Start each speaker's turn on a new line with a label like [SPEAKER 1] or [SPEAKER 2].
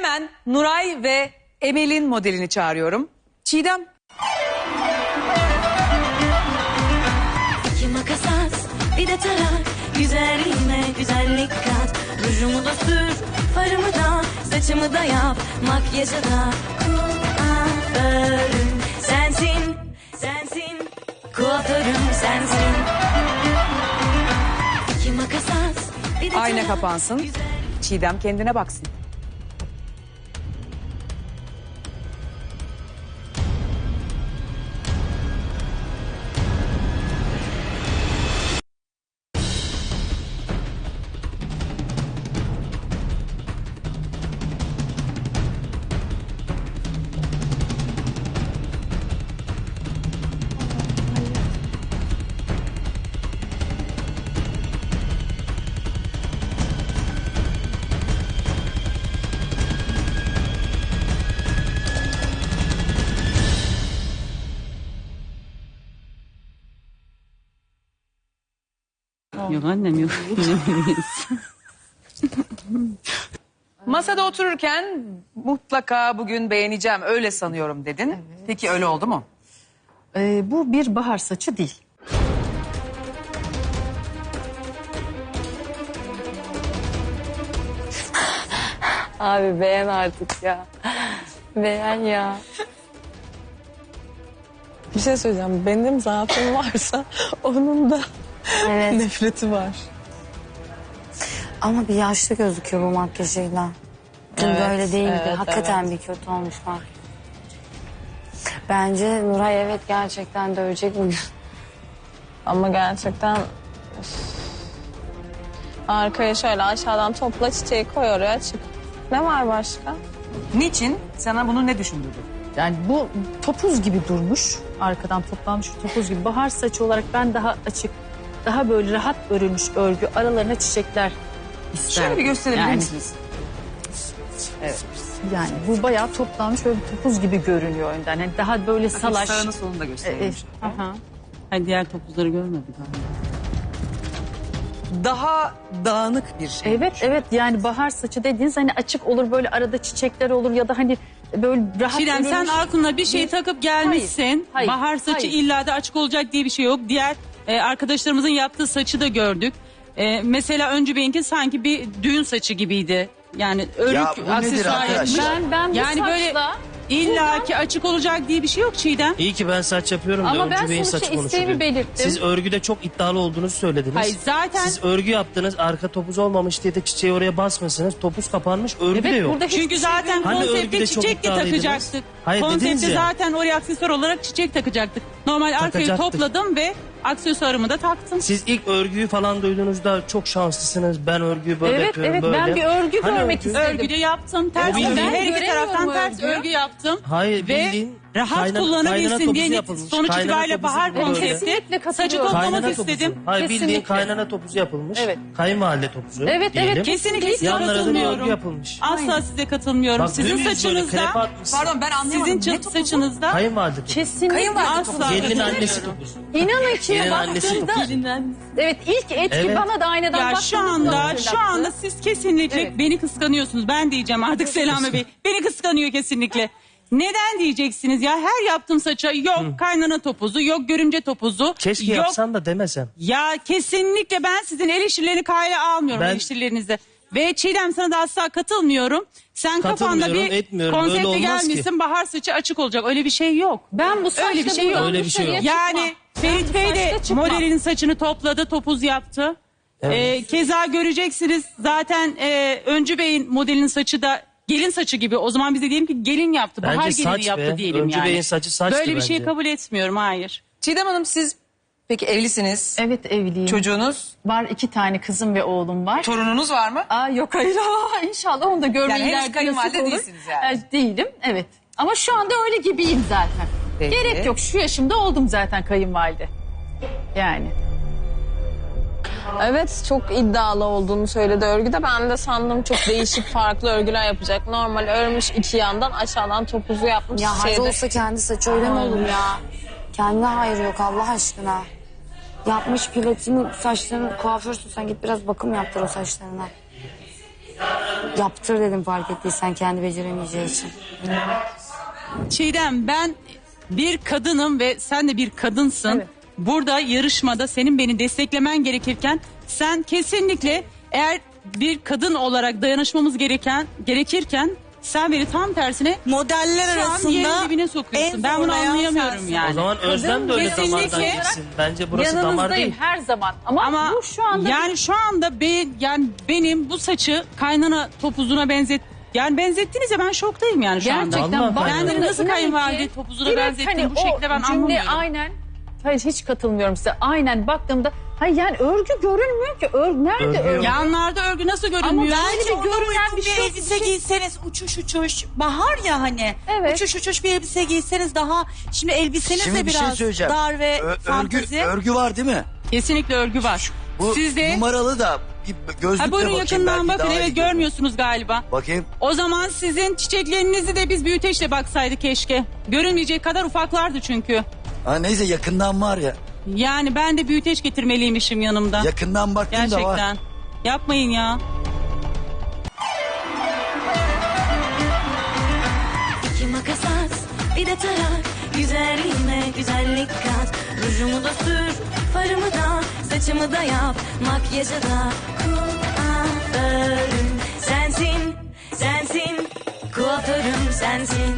[SPEAKER 1] Hemen Nuray ve Emel'in modelini çağırıyorum. Çiğdem.
[SPEAKER 2] İki makas at, bir de tarak. Güzelliğime güzellik kat. Rujumu da sür, farımı da, saçımı da yap. Makyajı da kuaförüm sensin, sensin. Kuaförüm sensin. İki makas at, bir de
[SPEAKER 1] Ayna
[SPEAKER 2] tarak.
[SPEAKER 1] kapansın. Çiğdem kendine baksın.
[SPEAKER 3] Yok annem yok.
[SPEAKER 1] Masada otururken mutlaka bugün beğeneceğim öyle sanıyorum dedin. Peki öyle oldu mu?
[SPEAKER 4] Bu bir bahar saçı değil.
[SPEAKER 5] Abi beğen artık ya. Beğen ya. Bir şey söyleyeceğim. Benim zaafım varsa onun da
[SPEAKER 6] Evet.
[SPEAKER 5] nefreti var.
[SPEAKER 6] Ama bir yaşlı gözüküyor bu makyajıyla. Dün
[SPEAKER 5] Evet,
[SPEAKER 6] böyle değildi.
[SPEAKER 5] evet,
[SPEAKER 6] Hakikaten
[SPEAKER 5] evet.
[SPEAKER 6] bir kötü olmuş bak. Bence Nuray evet gerçekten dövecek bugün.
[SPEAKER 5] Ama gerçekten... üf. Arkaya şöyle aşağıdan topla çiçeği koy oraya çık. Ne var başka?
[SPEAKER 1] Niçin? Sana bunu ne düşündürdü?
[SPEAKER 4] Yani bu topuz gibi durmuş. Arkadan toplanmış topuz gibi. Bahar saçı olarak ben daha açık, daha böyle rahat örülmüş örgü. Aralarına çiçekler isterdim.
[SPEAKER 1] Şöyle bir gösterebilir
[SPEAKER 4] Yani-
[SPEAKER 1] misiniz?
[SPEAKER 4] Yani bu bayağı toplanmış böyle bir topuz gibi görünüyor önden. Yani daha böyle salaş.
[SPEAKER 1] Sağını solunu da gösterelim.
[SPEAKER 4] Aha.
[SPEAKER 3] Hayır, diğer topuzları görmedik galiba.
[SPEAKER 1] Daha dağınık bir şey.
[SPEAKER 4] Evet yani bahar saçı dediğiniz hani açık olur böyle arada çiçekler olur ya da hani böyle rahat
[SPEAKER 3] Çiğdem sen
[SPEAKER 4] örülmüş.
[SPEAKER 3] aklına bir şey takıp gelmişsin.
[SPEAKER 4] Hayır,
[SPEAKER 3] Bahar saçı
[SPEAKER 4] hayır.
[SPEAKER 3] illa da açık olacak diye bir şey yok. Diğer arkadaşlarımızın yaptığı saçı da gördük. Mesela Öncü Bey'inki sanki bir düğün saçı gibiydi. Yani örgü
[SPEAKER 7] Ya bu nedir
[SPEAKER 3] aksesuar
[SPEAKER 7] arkadaş?
[SPEAKER 3] yapmış.
[SPEAKER 4] Ben bu
[SPEAKER 3] Yani böyle
[SPEAKER 4] saçla
[SPEAKER 3] illa ki açık olacak diye bir şey yok Çiğdem.
[SPEAKER 7] İyi ki ben saç yapıyorum da
[SPEAKER 4] ama ben
[SPEAKER 7] Öncü Bey'in
[SPEAKER 4] sonuçta
[SPEAKER 7] saçı
[SPEAKER 4] isteğimi
[SPEAKER 7] konuşuluyor.
[SPEAKER 4] belirttim.
[SPEAKER 7] Siz örgüde çok iddialı olduğunuzu söylediniz.
[SPEAKER 3] Hayır zaten
[SPEAKER 7] Siz örgü yaptınız, arka topuz olmamış diye de çiçeği oraya basmasınız. Topuz kapanmış, örgü de
[SPEAKER 4] Evet
[SPEAKER 7] yok.
[SPEAKER 4] burada hiçbir
[SPEAKER 3] çünkü
[SPEAKER 4] şey
[SPEAKER 3] zaten
[SPEAKER 7] Hani
[SPEAKER 3] konsepte
[SPEAKER 7] örgüde çok
[SPEAKER 3] çiçek de
[SPEAKER 7] iddialıydınız.
[SPEAKER 3] takacaktık.
[SPEAKER 7] Hayır, dediniz
[SPEAKER 3] Konsepte
[SPEAKER 7] ya.
[SPEAKER 3] zaten oraya aksesuar olarak çiçek takacaktık. Normal arkayı
[SPEAKER 7] Takacaktık.
[SPEAKER 3] topladım ve aksesuarımı da taktım.
[SPEAKER 7] Siz ilk örgüyü falan duyduğunuzda çok şanslısınız. Ben örgüyü böyle
[SPEAKER 4] Evet
[SPEAKER 7] yapıyorum,
[SPEAKER 4] evet
[SPEAKER 7] böyle.
[SPEAKER 4] ben bir örgü
[SPEAKER 7] Hani
[SPEAKER 4] görmek
[SPEAKER 7] örgü?
[SPEAKER 4] istedim.
[SPEAKER 3] Örgüde yaptım. Ters
[SPEAKER 7] Ama
[SPEAKER 3] örgü.
[SPEAKER 7] ben
[SPEAKER 3] Her iki
[SPEAKER 4] göremiyorum
[SPEAKER 3] taraftan ters
[SPEAKER 4] örgü.
[SPEAKER 3] örgü yaptım.
[SPEAKER 7] Hayır,
[SPEAKER 3] Ve
[SPEAKER 7] bildiğin
[SPEAKER 3] rahat
[SPEAKER 7] kaynana
[SPEAKER 3] kullanabilsin
[SPEAKER 7] topuzu
[SPEAKER 3] diye
[SPEAKER 7] yapılmış.
[SPEAKER 3] sonuç
[SPEAKER 7] Kaynana
[SPEAKER 3] itibariyle
[SPEAKER 7] topuzu
[SPEAKER 3] bahar
[SPEAKER 7] böyle.
[SPEAKER 3] konsepti.
[SPEAKER 4] Kesinlikle
[SPEAKER 3] Saçı
[SPEAKER 4] katılıyorum.
[SPEAKER 3] toplamak
[SPEAKER 7] Kaynana
[SPEAKER 3] istedim.
[SPEAKER 7] topuzu. Hayır, bildiğin
[SPEAKER 4] Kesinlikle.
[SPEAKER 7] kaynana topuzu yapılmış.
[SPEAKER 4] Evet.
[SPEAKER 7] Kayınvalide topuzu
[SPEAKER 4] Evet,
[SPEAKER 7] diyelim.
[SPEAKER 4] evet,
[SPEAKER 3] Kesinlikle size
[SPEAKER 7] Yanlara da bir örgü
[SPEAKER 3] katılmıyorum.
[SPEAKER 7] yapılmış.
[SPEAKER 3] Asla size katılmıyorum.
[SPEAKER 7] Bak,
[SPEAKER 3] Sizin
[SPEAKER 7] dümdüz böyle
[SPEAKER 3] saçınızda,
[SPEAKER 7] krepe atmışsın.
[SPEAKER 1] Pardon ben anlayamadım.
[SPEAKER 3] sizin
[SPEAKER 1] Ne topuzu?
[SPEAKER 3] saçınızda
[SPEAKER 7] Kayınvalide topuzu.
[SPEAKER 4] Kesinlikle.
[SPEAKER 1] Kayınvalide
[SPEAKER 3] asla
[SPEAKER 1] topuzu.
[SPEAKER 7] Gelinin annesi topuzu.
[SPEAKER 4] İnanın ki
[SPEAKER 7] Gelin annesi
[SPEAKER 4] baktığımda evet ilk etki
[SPEAKER 7] Evet.
[SPEAKER 4] bana da aynadan
[SPEAKER 3] ya
[SPEAKER 4] baktığımda
[SPEAKER 3] şu anda siz kesinlikle
[SPEAKER 4] Evet.
[SPEAKER 3] beni kıskanıyorsunuz. Ben diyeceğim artık Selami Bey. Beni kıskanıyor kesinlikle. Neden diyeceksiniz ya? Her yaptığım saça yok kaynana topuzu, yok görümce topuzu.
[SPEAKER 7] Keşke
[SPEAKER 3] yok.
[SPEAKER 7] yapsan da demesen.
[SPEAKER 3] Ya kesinlikle ben sizin eleştirilerini kale almıyorum
[SPEAKER 7] Ben-
[SPEAKER 3] eleştirilerinizde. Ve Çiğdem sana da asla katılmıyorum. Sen kafanda
[SPEAKER 7] Katılmıyorum,
[SPEAKER 3] bir
[SPEAKER 7] etmiyorum. Öyle
[SPEAKER 3] konsepte
[SPEAKER 7] olmaz ki.
[SPEAKER 3] gelmişsin bahar saçı açık olacak. Öyle bir şey yok.
[SPEAKER 4] ben bu saçla
[SPEAKER 3] Öyle bir şey yok.
[SPEAKER 4] buradan
[SPEAKER 7] Öyle bir şey yok.
[SPEAKER 4] dışarıya
[SPEAKER 3] Yani
[SPEAKER 4] çıkmam.
[SPEAKER 3] Ferit
[SPEAKER 4] Ben bu
[SPEAKER 3] Bey de
[SPEAKER 4] saçla çıkmam.
[SPEAKER 3] modelinin saçını topladı, topuz yaptı. Keza göreceksiniz zaten Öncü Bey'in modelinin saçı da gelin saçı gibi. O zaman biz de diyelim ki gelin yaptı, bahar
[SPEAKER 7] Bence
[SPEAKER 3] gelini
[SPEAKER 7] saç
[SPEAKER 3] yaptı
[SPEAKER 7] be.
[SPEAKER 3] diyelim
[SPEAKER 7] Öncü
[SPEAKER 3] yani.
[SPEAKER 7] Bey'in saçı saçtı
[SPEAKER 3] Böyle bir şey
[SPEAKER 7] bence.
[SPEAKER 3] kabul etmiyorum, hayır.
[SPEAKER 1] Çiğdem Hanım siz peki evlisiniz.
[SPEAKER 4] Evet evliyim.
[SPEAKER 1] Çocuğunuz,
[SPEAKER 4] Var 2 tane kızım ve oğlum var.
[SPEAKER 1] torununuz var mı?
[SPEAKER 4] Aa yok hayır inşallah onu da görmeyi
[SPEAKER 1] Yani henüz
[SPEAKER 4] ileride
[SPEAKER 1] kayınvalide
[SPEAKER 4] nasip olur.
[SPEAKER 1] değilsiniz yani.
[SPEAKER 4] Değilim evet. Ama şu anda öyle gibiyim zaten.
[SPEAKER 1] Peki.
[SPEAKER 4] Gerek yok şu yaşımda oldum zaten kayınvalide. Yani.
[SPEAKER 5] Evet çok iddialı olduğunu söyledi örgüde. Ben de sandım çok değişik farklı örgüler yapacak. Normal örmüş iki yandan aşağıdan topuzu yapmış.
[SPEAKER 6] Ya hayır olsa kendi saçı öyle mi olur ya? Kendine hayır yok Allah aşkına. Yapmış platini saçlarını kuaförsün sen git biraz bakım yaptır o saçlarına. Yaptır dedim fark ettiysen kendi beceremeyeceği için.
[SPEAKER 3] Çiğdem, ben bir kadınım ve sen de bir kadınsın.
[SPEAKER 4] Evet.
[SPEAKER 3] Burada yarışmada senin beni desteklemen gerekirken sen kesinlikle eğer bir kadın olarak dayanışmamız gerekirken sen beni tam tersine
[SPEAKER 8] Modeller
[SPEAKER 3] şu an
[SPEAKER 8] arasında
[SPEAKER 3] yerin dibine sokuyorsun.
[SPEAKER 8] en
[SPEAKER 3] Ben bunu
[SPEAKER 8] zorlayan
[SPEAKER 3] anlayamıyorum
[SPEAKER 8] sensin.
[SPEAKER 3] yani.
[SPEAKER 7] O zaman Özlem de öyle
[SPEAKER 3] kesinlikle
[SPEAKER 7] damardan gitsin. Bence burası damar
[SPEAKER 4] Yanınızdayım
[SPEAKER 7] değil.
[SPEAKER 4] her zaman. Ama bu şu anda
[SPEAKER 3] yani şu anda benim bu saçı kaynana topuzuna benzettiniz ya, ben şoktayım yani şu anda.
[SPEAKER 4] gerçekten
[SPEAKER 7] Vallahi
[SPEAKER 4] baktığımda
[SPEAKER 3] Kendini nasıl
[SPEAKER 4] inan
[SPEAKER 3] kayınvalide
[SPEAKER 4] ki
[SPEAKER 3] topuzuna
[SPEAKER 4] direkt
[SPEAKER 3] benzettin, bu şekilde ben
[SPEAKER 4] o cümle
[SPEAKER 3] anlamıyorum.
[SPEAKER 4] aynen. Hayır hiç katılmıyorum size. Aynen baktığımda hayır yani örgü görünmüyor ki. Nerede örgü?
[SPEAKER 3] Yanlarda örgü nasıl görünmüyor?
[SPEAKER 8] Bence ona
[SPEAKER 4] görünen
[SPEAKER 8] uygun
[SPEAKER 4] bir
[SPEAKER 8] bir
[SPEAKER 4] şey-
[SPEAKER 8] elbise giyseniz uçuş bahar ya hani.
[SPEAKER 4] Evet.
[SPEAKER 8] Uçuş bir elbise giyseniz daha şimdi elbiseniz
[SPEAKER 9] Şimdi
[SPEAKER 8] de
[SPEAKER 9] bir şey
[SPEAKER 8] biraz
[SPEAKER 9] söyleyeceğim.
[SPEAKER 8] dar ve fantezi.
[SPEAKER 9] Örgü var değil mi?
[SPEAKER 3] Kesinlikle örgü var.
[SPEAKER 9] Bu
[SPEAKER 3] Sizde
[SPEAKER 9] numaralı da bir gözlükle
[SPEAKER 3] ha, buyurun
[SPEAKER 9] bakayım.
[SPEAKER 3] yakından
[SPEAKER 9] belki
[SPEAKER 3] bakın,
[SPEAKER 9] daha
[SPEAKER 3] evet
[SPEAKER 9] iyi görürüm.
[SPEAKER 3] görmüyorsunuz galiba.
[SPEAKER 9] Bakayım.
[SPEAKER 3] O zaman sizin çiçeklerinizi de biz büyüteçle baksaydı keşke. Görünmeyecek kadar ufaklardı çünkü.
[SPEAKER 9] Ha, neyse yakından var ya.
[SPEAKER 3] Yani ben de büyüteç getirmeliymişim yanımda.
[SPEAKER 9] Yakından baktım da var.
[SPEAKER 3] Gerçekten. Yapmayın ya.
[SPEAKER 2] İki makas at, bir de tarak. Güzelliğime güzellik kat. Rujumu da sür, farımı da, saçımı da yap. Makyajı da kuaförüm sensin, sensin. Kuaförüm sensin.